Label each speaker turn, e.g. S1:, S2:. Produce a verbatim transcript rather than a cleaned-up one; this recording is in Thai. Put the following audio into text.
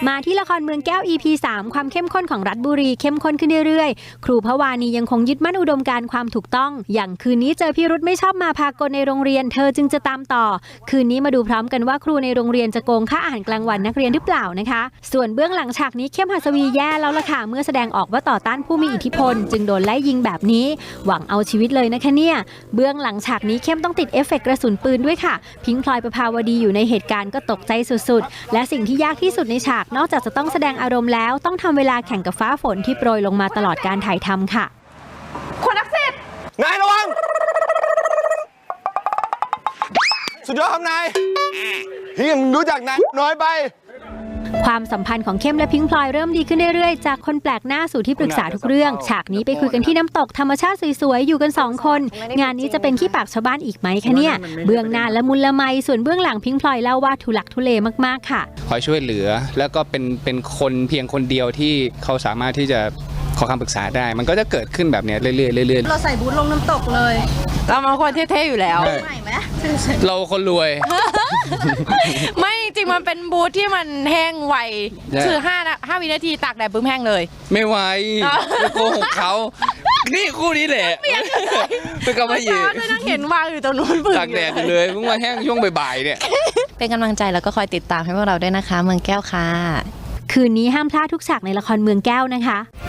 S1: มาที่ละครเมืองแก้ว อี พี สาม ความเข้มข้นของรัฐบุรีเข้มข้นขึ้นเรื่อยๆครูพวานียังคงยึดมั่นอุดมการณ์ความถูกต้องอย่างคืนนี้เจอพิรุธไม่ชอบมาพากลในโรงเรียนเธอจึงจะตามต่อคืนนี้มาดูพร้อมกันว่าครูในโรงเรียนจะโกงค่าอาหารกลางวันนักเรียนหรือเปล่านะคะส่วนเบื้องหลังฉากนี้เข้มหัสวีแย่แล้วล่ะค่ะเมื่อแสดงออกว่าต่อต้านผู้มีอิทธิพลจึงโดนไล่ยิงแบบนี้หวังเอาชีวิตเลยนะคะเนี่ยเบื้องหลังฉากนี้เข้มต้องติดเอฟเฟกต์กระสุนปืนด้วยค่ะพิงค์พลอยประภาวดีอยู่ในเหตุการณ์ก็ตกใจสุดๆและสิ่งที่ยากที่สุดในฉากนอกจากจะต้องแสดงอารมณ์แล้วต้องทำเวลาแข่งกับฟ้าฝนที่โปรยลงมาตลอดการถ่ายทำค่ะ
S2: คนนักสิทธิ์นายระวังสุดยอดครับนายพี่มึงรู้จักนายน้อยไป
S1: ความสัมพันธ์ของเข้มและพิงค์พลอยเริ่มดีขึ้นเรื่อยๆจากคนแปลกหน้าสู่ที่ปรึกษาทุกเรื่องฉากนี้ไปคุยกันที่น้ำตกธรรมชาติสวยๆอยู่กันสองคนงานนี้จะเป็นขี้ปากชาวบ้านอีกไหมคะเนี่ยเบื้องหน้าละมุนละไมส่วนเบื้องหลังพิงค์พลอยเล่าว่าทุลักทุเลมากๆค่ะ
S3: คอยช่วยเหลือแล้วก็เป็นเป็นคนเพียงคนเดียวที่เขาสามารถที่จะขอคำปรึกษาได้มันก็จะเกิดขึ้นแบบนี้เรื่อยๆเรื่อยๆ
S4: เราใส่บูทลงน้ำตกเลย
S5: เรามาคนเท่ๆอยู่แล้ว
S4: ใหม่ไหม
S3: เราคนรวย
S5: ไม่จริงมันเป็นบูทที่มันแห้งไวคือห้าห้าวินาทีตากแดดปุ๊บแห้งเลย
S3: ไม่ไหวไปโกหกเขานี่คู่นี้แหละเป็นกำมะหยี่
S5: ไม่นั่งเห็นวางอยู่ตรงนู้น
S3: ตากแดดเลยเพิ่งมาแห้งช่วงบ่ายๆเนี่ย
S5: เป็นกำลังใจแล้วก็คอยติดตามให้พวกเราด้วยนะคะเมืองแก้วค่ะ
S1: คืนนี้ห้ามพลาดทุกฉากในละครเมืองแก้วนะคะ